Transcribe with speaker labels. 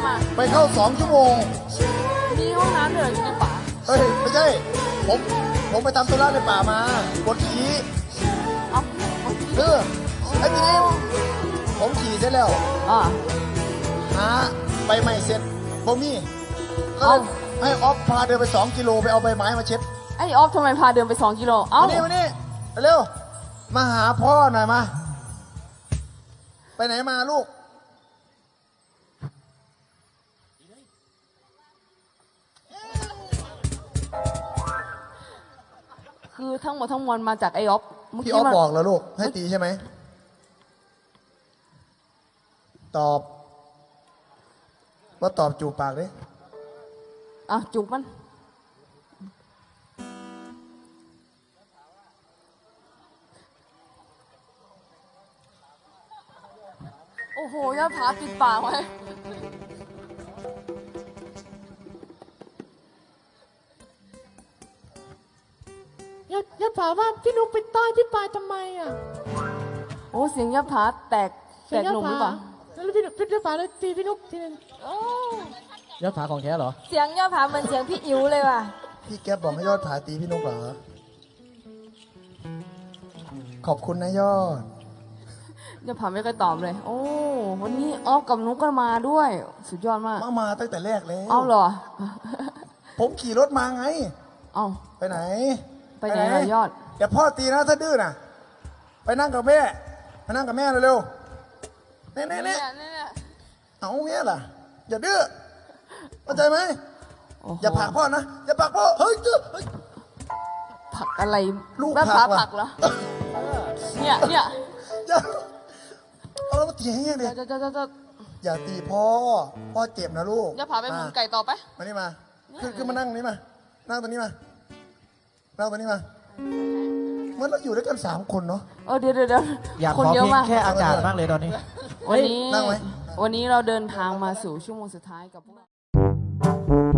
Speaker 1: ไปเข้า2 ชั่วโมง
Speaker 2: มีห้องน้ำด้วยเหรออยู่ในป่า
Speaker 1: เฮ้ยไม่ใช่ผมไปทำธุระในป่ามาปวดขี่
Speaker 2: เอ้า
Speaker 1: ไอ้ทีนี้ผมขี่เสร็จแล้ว
Speaker 2: อ่า
Speaker 1: หาใบไม้เสร็จผมมีก็เลยให้ออฟพาเดินไป2 กิโลไปเอาใบไม้มาเช็ด
Speaker 2: ไอ้ออฟทำไมพาเดินไป2 กิโลเอ้า
Speaker 1: มานี่เร็วมาหาพ่อหน่อยมาไปไหนมาลูก
Speaker 2: คือทั้งหมดทั้งมวลมาจากไอ้ออฟ
Speaker 1: พี่ออฟบอกแล้วลูกให้ตีใช่ไหมตอบว่าตอบจูบปากดิ
Speaker 2: อ่ะจุกมันโอ้โหยอดผาปิดปากไว้
Speaker 3: อย่าถามว่าพี่นุ๊กไปต้อยพี่ปายทำไมอ่ะ
Speaker 2: โอ้เสียงยอดผาแตกหนุ่มหรือเปล่า
Speaker 3: แล้วพี่ยอดผาเลยตีพี่นุ๊กทีนึง
Speaker 4: ยอดผาของแท้เหรอ
Speaker 2: เสียงยอดผาเหมือนเสียงพี่อิ๋วเลยว่ะ
Speaker 1: พี่แก๊ปบอกให้ยอดผาตีพี่นกเหรอขอบคุณนะยอด
Speaker 2: ยอดผาไม่เคยตอบเลยโอ้วันนี้ออฟกับนุ๊กก็มาด้วยสุดยอดมาก
Speaker 1: มาตั้งแต่แรกแล้ว
Speaker 2: เอาเหรอ
Speaker 1: ผมขี่รถมาไง
Speaker 2: เอา
Speaker 1: ไปไหน
Speaker 2: ล่ะยอด
Speaker 1: เดี๋ยวพ่อตีนะถ้าดื้อน่ะไปนั่งกับแม่เร็วๆเนี่ยเอาเงี้ยล่ะอย่าดื้อเข้าใจไหมอย่าผลักพ่อนะอย่าผลักพ่อเฮ้ย
Speaker 2: ผลักอะไร
Speaker 1: ลูก
Speaker 2: ผลักเหรอเนี่ย
Speaker 1: อย่าเอาแล้วมาตีให้เงี้ยดิอย่าตีพ่อเจ็บนะลูก
Speaker 2: อย่าพาไปหมุนไก่ต่อไป
Speaker 1: มานี่มาคือมานั่งนี้มานั่งตรงนี้มานั่งตรงนี้มาเมื่อเราอยู่ด้วยกัน3 คนเนาะ
Speaker 2: เดี๋ยว
Speaker 4: อยากขอเพลงแค่อากาศมากเลยตอนนี้
Speaker 2: วันนี้เราเดินทางมาสู่ชั่วโมงสุดท้ายกับพวก